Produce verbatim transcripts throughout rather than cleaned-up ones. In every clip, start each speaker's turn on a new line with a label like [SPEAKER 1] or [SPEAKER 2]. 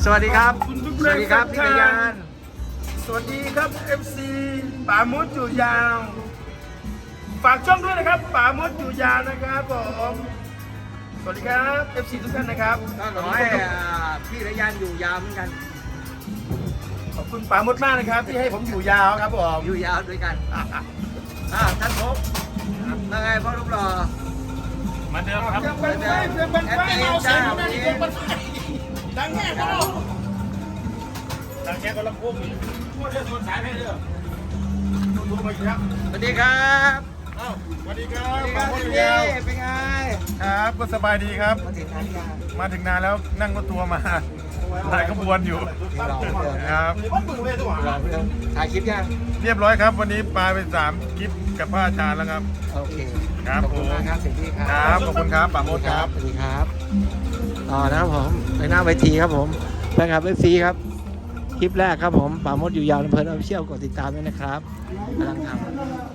[SPEAKER 1] สวัสดีครับสวัสดีครับพี่พยาน
[SPEAKER 2] สวัสดีครับ เอฟ ซี ป่ามุดอยู่ยาวฝากช่องด้วยนะครับป่ามุดอยู่ยาวนะครับผมสวัสดีครับ เอฟ ซี ทุกท่านนะครับ
[SPEAKER 1] ก็ขอให้พี่พยานอยู่ยาวเหมือนกัน
[SPEAKER 2] ขอบคุณป่ามุดมากนะครับที่ให้ผมอยู่ยาวครับผม
[SPEAKER 1] อยู่ยาวด้วยกันอ่าท่านพบว่าไงพ่อรูปหล่อ
[SPEAKER 2] มาเดิมครับเพื่อนเพื่อนเพื่อนเพื่อนเราเสียงนั่นเองดังแง่ก็เราดังแง่ก็ลำโพงอีกพูดเรื่องส่วนสายให้เด้อดูมาอีกครับ
[SPEAKER 1] สวัสดีครับ
[SPEAKER 2] อ้าวสวัสดีครับ
[SPEAKER 1] สวัสดีค
[SPEAKER 2] ป่า
[SPEAKER 1] รับ
[SPEAKER 2] มุดอยู่
[SPEAKER 1] พี่
[SPEAKER 2] ยาว
[SPEAKER 1] เป็นไง
[SPEAKER 2] ครับก็สบายดีครับ
[SPEAKER 1] มาถึงงานยัง
[SPEAKER 2] มาถึงนานแล้วนั่งรถทัวร์มาหลายขบวนอยู่
[SPEAKER 1] รอเพื่อน
[SPEAKER 2] ครับ
[SPEAKER 1] รอเพื่อนถ่ายคลิปยัง
[SPEAKER 2] เรียบร้อยครับวันนี้ปลาไปสามคลิปกับพระอาจารย์แล้วครับ
[SPEAKER 1] โอเค
[SPEAKER 2] ครับ
[SPEAKER 1] ขอบคุณมากครับเสียงพี่ค
[SPEAKER 2] ค
[SPEAKER 1] รั
[SPEAKER 2] รับขอบคุณครับป่าโมดครับ
[SPEAKER 1] สวัสดีครับต่อนะครับผมไปหน้าเวทีครับผมแฟนคลับเอฟซีครับคลิปแรกครับผมป่ามดอยู่ยาวลำเพลินออฟฟิเชียลกดติดตามด้วยนะครับกำลังทำ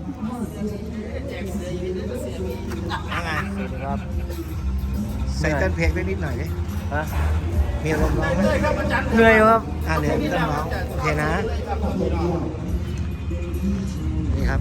[SPEAKER 1] ยังไงครับใส่เต้นเพลงได้นิดหน่อยดิฮะมีอารมณ์ร้องไหมเหนื่อยครับอ่าเหนื่อยไม่ต้องร้องโอเคนะนี่ครับ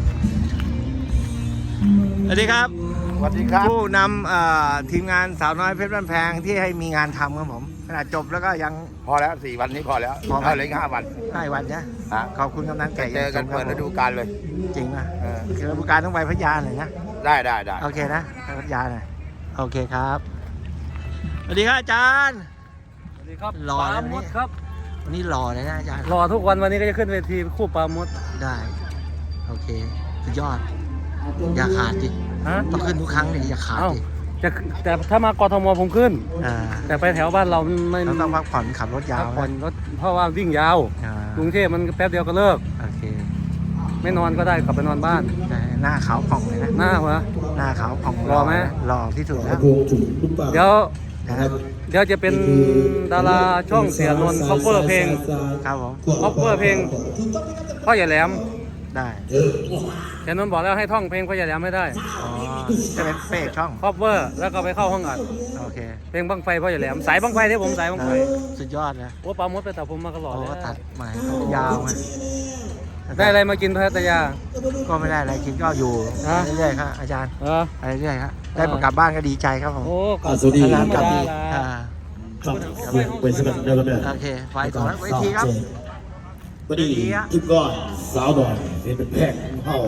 [SPEAKER 1] สวัสดีครับ
[SPEAKER 2] สวัสดีครับ
[SPEAKER 1] ผู้นำเอ่อทีมงานสาวน้อยเพชรบ้านแพงที่ให้มีงานทำครับผมขนาดจบแล้วก็ยัง
[SPEAKER 3] พอแล้วสี่วันนี้พอแล้ว
[SPEAKER 1] พอไหม
[SPEAKER 3] เอาเหลยห้าวัน
[SPEAKER 1] ให้วันนะ
[SPEAKER 3] ฮะ
[SPEAKER 1] ขอบคุณกำนันไก่
[SPEAKER 3] เจอกันเปิดฤดูกาลเลย
[SPEAKER 1] จริงนะ
[SPEAKER 3] เออ
[SPEAKER 1] คือฤดูกาลต้องไปพัทยาหน่อยนะ
[SPEAKER 3] ได้ได้ได้
[SPEAKER 1] โอเคนะไปพัทยาหน่อยโอเคครับสวัสดีครับอาจารย์
[SPEAKER 4] สวัสดีครับ
[SPEAKER 1] หล่อ
[SPEAKER 4] ป
[SPEAKER 1] นะ
[SPEAKER 4] ลา
[SPEAKER 1] วันนี้
[SPEAKER 4] มดครับ
[SPEAKER 1] วันนี้หล่อเลยนะอาจารย์
[SPEAKER 4] รอทุกวันวันนี้ก็จะขึ้นเวทีคู่ปลามด
[SPEAKER 1] ได้โอเคสุดยอดอย่าขาดดิ
[SPEAKER 4] ฮะ
[SPEAKER 1] ต้องขึ้นทุกครั้งเลยอย่าขาด
[SPEAKER 4] เอ้า
[SPEAKER 1] ดิ
[SPEAKER 4] จะแต่ถ้ามากทมผมขึ้น
[SPEAKER 1] อ่า
[SPEAKER 4] แต่ไปแถวบ้านเราไม่
[SPEAKER 1] เราต้องพักผ่อนขับรถยา
[SPEAKER 4] พั
[SPEAKER 1] ว
[SPEAKER 4] กผ่อน
[SPEAKER 1] นะ
[SPEAKER 4] รถเพราะว่าวิ่งยาว
[SPEAKER 1] อ่าก
[SPEAKER 4] รุงเทพมันแป๊บเดียวก็เลิก
[SPEAKER 1] โอเค
[SPEAKER 4] ไม่นอนก็ได้กลับไปนอนบ้าน
[SPEAKER 1] ได้หน้าขาวผ่องเลยนะ
[SPEAKER 4] หน้าหัว
[SPEAKER 1] หน้าขาวผ่อง
[SPEAKER 4] หล่อไหม
[SPEAKER 1] หล่อที่สุดแล้ว
[SPEAKER 4] เดี๋ยว
[SPEAKER 1] นะครับ
[SPEAKER 4] เดี๋ยวจะเป็นดาราช่องเสียนนท์ cover เพลง
[SPEAKER 1] ครับผม
[SPEAKER 4] cover เพลงพ่อใหญ่แหลม
[SPEAKER 1] ได้
[SPEAKER 4] เสียนนท์บอกแล้วให้ท่องเพลงพ่อใหญ่แหลมไม่ได้
[SPEAKER 1] อ๋อจะเป็นเฟกช่อง
[SPEAKER 4] cover แล้วก็ไปเข้าห้องอัด
[SPEAKER 1] โอเค
[SPEAKER 4] เพลงบังไฟพ่อใหญ่แหลมสายบังไฟที่ผมสายบังไฟ
[SPEAKER 1] สุดยอดนะ
[SPEAKER 4] โอ้ปลามดไปตัดผมมาตลอด
[SPEAKER 1] โอ้
[SPEAKER 4] เลย
[SPEAKER 1] ตัดใหม่ยาวไง
[SPEAKER 4] ได้อะไรมากินพัทยา
[SPEAKER 1] ก็ไม่ได้อะไรกินก็อยู่
[SPEAKER 4] ฮะ
[SPEAKER 1] เรื่อยๆครับอาจารย์
[SPEAKER 4] เออ
[SPEAKER 1] ไปเรื่อยๆครับได้กลับบ้านก็ดีใจครับผม
[SPEAKER 4] โอ้ก็
[SPEAKER 5] สวัสดี
[SPEAKER 1] นานๆกลับดี
[SPEAKER 4] ธรรมดา
[SPEAKER 1] อ่า
[SPEAKER 5] ครับเป็นสำหรับเดิมเลย
[SPEAKER 1] โอเคไฟสองเวทีครับ
[SPEAKER 5] พอดีทุกก้อนสาวดอยเป็นแพงเผ่า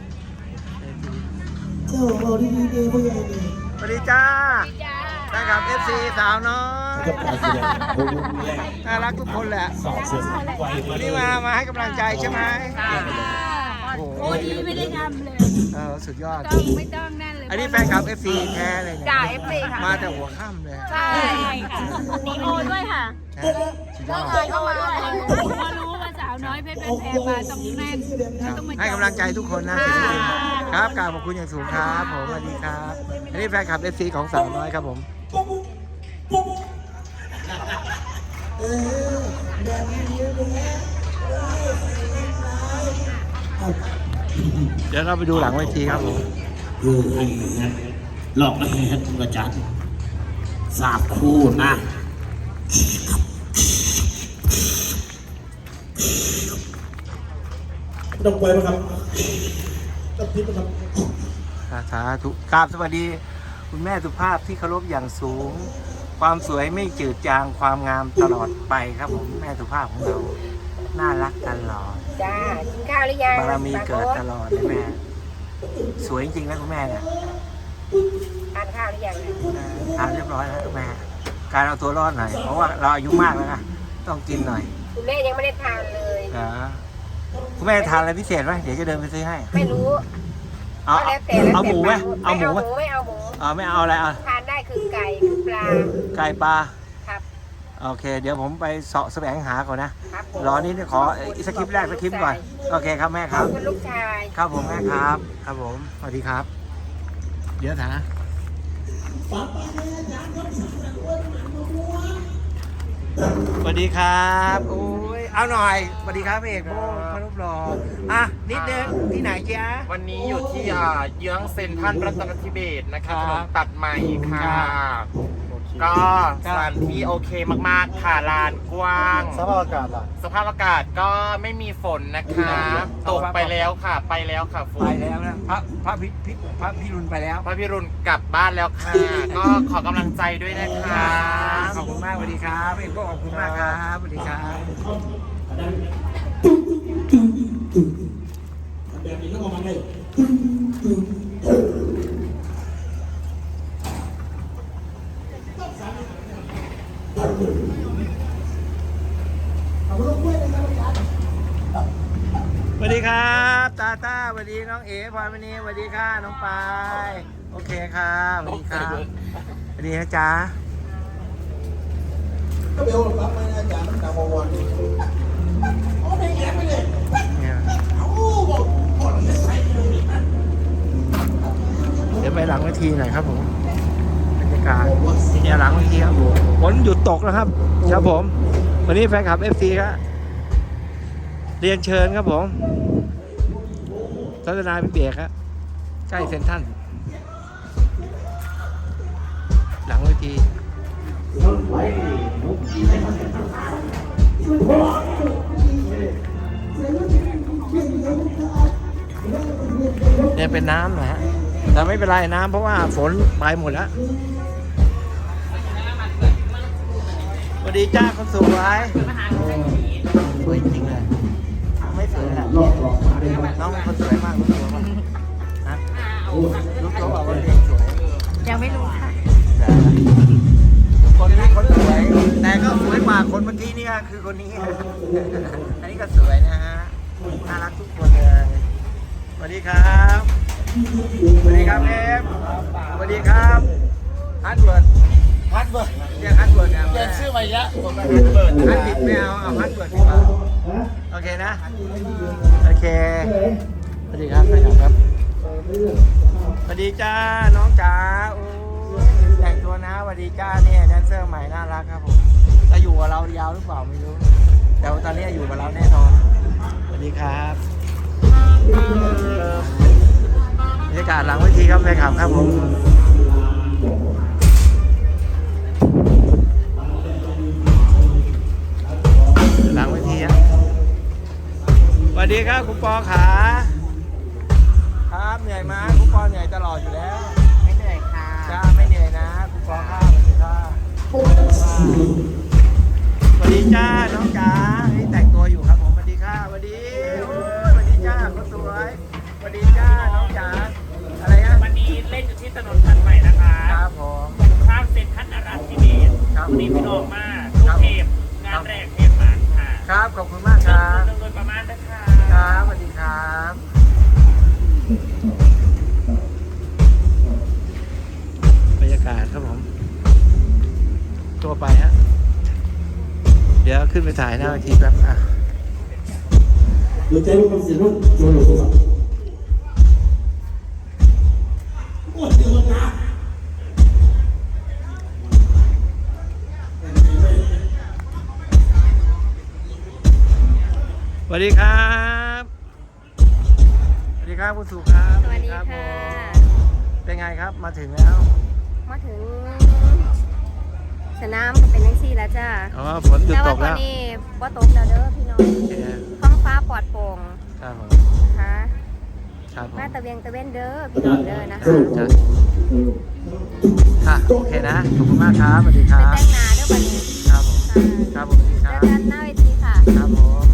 [SPEAKER 1] สวัสดีจ้าได้กับ เอฟ ซี สาวน้อย
[SPEAKER 5] กับการแสดงโอ้โหแรง
[SPEAKER 1] น่ารักทุกคนแหละ
[SPEAKER 5] สอบเสียงไว
[SPEAKER 1] วันนี้มามาให้กำลังใจใช่ไหมโอ้โห
[SPEAKER 6] โอ้ดีไม่ได้ทำเลย
[SPEAKER 1] เออสุดยอด
[SPEAKER 6] ต้องไม่ต้องนั่นเลย
[SPEAKER 1] อันนี้แฟนคลับ เอฟ ซี แท้เลยเนี่ย
[SPEAKER 6] จ่าเอฟซีค่ะ
[SPEAKER 1] มาแต่หัวค่ำเลย
[SPEAKER 6] ใช่ค่ะนีโอด้วยค่ะ
[SPEAKER 1] นะสุดยอด
[SPEAKER 6] เคยเข้ามาด้วยพอรู้ว่าสาวน้อยเพชรเป็นแพรมาต้องแน่นต้องมา
[SPEAKER 1] ให้กำลังใจทุกคนนะครับกราบขอบคุณอย่างสูงครับผมสวัสดีครับอันนี้แฟนคลับ เอฟ ซี ของสาวน้อยครับผมเดี๋ยวเราไปดูหลังเวทีครับผม
[SPEAKER 5] ดูไอ้ฮะหลอกไอ้ฮะกระจัดสาบคู่นะต้องไปไหมครับต้องทิพย์ไหมครับ
[SPEAKER 1] สาธุกราบสวัสดี คุณแม่สุภาพที่เคารพอย่างสูง ความสวยไม่จืดจางความงามตลอดไปครับผมแม่สุภาพของเราน่ารักตลอด
[SPEAKER 6] จ้ากินข้าวหรือยัง
[SPEAKER 1] บารมีเกิดตลอดเลยแม่ สวยจริงๆนะคุณแม่เนี่ย
[SPEAKER 6] ทานข้าวหรือยัง
[SPEAKER 1] ทานเรียบร้อยแล้วคุณแม่ การเอาตัวรอดหน่อยเพราะว่าเราอายุมากแล้วนะต้องกินหน่อย
[SPEAKER 6] คุณแม่ยังไม่ได้ทานเลย
[SPEAKER 1] นะคุณแม่ทานอะไรพิเศษไหมเดี๋ยวจะเดินไปซื้อให้
[SPEAKER 6] ไม่รู้
[SPEAKER 1] เอา
[SPEAKER 6] ก็แล้วแต่แล้ว
[SPEAKER 1] เอา
[SPEAKER 6] แต่
[SPEAKER 1] หมูไหมเอาหมูไหม
[SPEAKER 6] ไม่เอาหมู
[SPEAKER 1] เอาไม่เอาอะไรเอา
[SPEAKER 6] ทานได้คือไก่คือปลา
[SPEAKER 1] ไก่ปลา
[SPEAKER 6] ครับ
[SPEAKER 1] โอเค เดี๋ยวผมไปเสาะแสวงหาก่อนนะ
[SPEAKER 6] ครับผม
[SPEAKER 1] รอนี้ขออีกสคริปต์แรกสคริปต์ก่อนโอเคครับแม่ค
[SPEAKER 6] ข
[SPEAKER 1] รั
[SPEAKER 6] อบบ คุณลูกชาย
[SPEAKER 1] ครับผมแม่ครับ ครับผมสวัสดีครับ เดี๋ยวนะสวัสดีครับโอ้ยเอาหน่อยสวัสดีครับเอกโบ้พระรูปหล่ออ่ะนิดนึงที่ไหนจ๊ะ
[SPEAKER 3] วันนี้อยู่ที่อ่าเยื้องเซ็นทรัลรัตนทิเบศนะคะ
[SPEAKER 1] ครับ
[SPEAKER 3] ถนนตัดใหม่ค่ะ
[SPEAKER 1] โอเค
[SPEAKER 7] ก็สถานที่โอเคมากๆค่ะลานกว้าง
[SPEAKER 1] สภาพอากาศล่ะ
[SPEAKER 7] สภาพอากาศก็ไม่มีฝนนะคะตกไปแล้วค่ะไปแล้วค่ะฝ
[SPEAKER 1] ไป
[SPEAKER 7] น
[SPEAKER 1] แล้วนะพระพระพิพิพระพิรุณไปแล้ว
[SPEAKER 7] พระพิรุณกลับบ้านแล้วค่ะ ก็ขอกำลังใจด้วยนะคะ
[SPEAKER 1] ขอบคุณมากสวัสดีครับเอ็มก็ขอบคุณมากครับสวัสดีครับ
[SPEAKER 5] แบบนี้ก็ประมาณนี้
[SPEAKER 1] สวัสดีครับตาตาสวัสดีน้องเอ๋พรมณีสวัสดีค่ะน้องปายโอเคครับสวัสดีครับสวัสดีนะจ๊ะ
[SPEAKER 2] ก็เบลรับมาอาจารย์ตั้งแต่วันวันโอ้ไม่แย่ไปเลย
[SPEAKER 1] เนี่ย
[SPEAKER 2] เอ้าบอกก่อนไม่ใส่เลยนะ
[SPEAKER 1] เดี๋ยวไปหลังเวทีหน่อยครับผมบรรยากาศเนี่ยหลังเวทีครับผมฝนหยุดตกแล้วครับครับผมวันนี้แฟนคลับ เอฟ ซี ครับเรียนเชิญครับผมทัศนาพิเบกครับใกล้เซ็นทรัลหลังเวทีเนี่ยเป็นน้ำนะฮะแต่ไม่เป็นไรน้ำเพราะว่าฝนไปหมดแล้วสวัสดีจ้าคนสวยสวยจริงเลยไม่สวยแหละน้องเป็นคนสวยมากรู้ตัวป่ะฮะรู้ตัวป่ะว่าเด็กสวย
[SPEAKER 6] ยังไม่รู้ค่ะ
[SPEAKER 1] คนนี้คนสวย แต่ก็สวยกว่าคนเมื่อกี้นี่ก็คือคนนี้ อันนี้ก็สวยนะฮะ น่ารักทุกคนเลย สวัสดีครับ สวัสดีครับเอฟสวัสดีครับฮัทเวิร์ดฮัทเวิร์ดเรียกฮัทเวิร์ดครับเรียกชื่อใหม่ละผมก็ฮัทเวิร์ดฮัทผิดไม่เอา เอาฮัทเวิร์ดดีกว่าโอเคนะ โอเค สวัสดีครับท่านครับ สวัสดีจ้า น้องจ๋าโอ้แต่งตัวนะสวัสดีจ้าเนี่ยแดนเซอร์ใหม่น่ารักครับผมจะอยู่กับเรายาวหรือเปล่าไม่รู้ แต่ว่าตอนนี้อยู่กับเราแน่นอน สวัสดีครับบรรยากาศหลังเวทีครับแฟนคลับครับผมหลังเวทีครับสวัสดีครับคุณปอขาครับเหนื่อยไหมคุณปอเหนื่อยตลอดอยู่แล้ว
[SPEAKER 6] ไม่เหนื่อยค่ะ
[SPEAKER 1] จ้าไม่เหนื่อยนะคุณปอข้าวสวัสดีค่ะสวัสดีจ้าน้องจ๋านี่แต่งตัวอยู่ครับผมสวัสดีค่ะสวัสดีโอ้ยสวัสดีจ้าคนสวยสวัสดีจ้าน้องจ๋าอะไรนะ
[SPEAKER 7] วันนี้เล่นอยู่ที่ถนนพันใหม่นะคะ
[SPEAKER 1] ครับผม
[SPEAKER 7] ข้ามเซ็นทรัลนราธิเบศร
[SPEAKER 1] ครับ
[SPEAKER 7] วันนี้พี่น้องมาลูกเทพงานแรกเทพหมานค่ะ
[SPEAKER 1] ครับขอบคุณมากครับ
[SPEAKER 7] เรื่องโดยประมาณนะคะ
[SPEAKER 1] ครับสวัสดีครับบรรยากาศครับผมตัวไปฮะเดี๋ยวขึ้นไปถ่ายหน้าเวทีแป๊บอ่ะ
[SPEAKER 5] ดูใจลูกมันเสียลูกโจโฉอ่ะโอ้ยเดี๋ยวนะ
[SPEAKER 1] สวัสดีครับสวัสดีครับคุณสุครับ
[SPEAKER 6] สวัสดี
[SPEAKER 1] รับ
[SPEAKER 6] ค่ะ
[SPEAKER 1] ผมเป็นไงครับมาถึงแล้ว
[SPEAKER 6] มาถึงสนามก็เป็นนังซี่แล้วจ้า
[SPEAKER 1] อ๋อฝนหยุด
[SPEAKER 6] แต่
[SPEAKER 1] ต
[SPEAKER 6] ว่าก ตอน
[SPEAKER 1] แล้ว
[SPEAKER 6] นี้ว่าตกแล้วเด้อพี่น้อง
[SPEAKER 1] โอเค
[SPEAKER 6] ท้องฟ้าปลอดโปร่ง
[SPEAKER 1] ครับผม
[SPEAKER 6] นะคะ
[SPEAKER 1] ครับผม
[SPEAKER 6] มาตะเวียงตะเวนเด้อพี่น้องเด้อนะคะ
[SPEAKER 1] จ้ะค่ะโอเคนะขอบคุณมากครับสวัสดีค
[SPEAKER 6] ไป
[SPEAKER 1] รับ
[SPEAKER 6] แต่งหนาเด้อวันนี้
[SPEAKER 1] ครับผม
[SPEAKER 6] ค่ะ
[SPEAKER 1] ครับผมสวัสดีค
[SPEAKER 6] เจ
[SPEAKER 1] รั
[SPEAKER 6] อบ กันหน้าเวทีค่ะ
[SPEAKER 1] ครับผม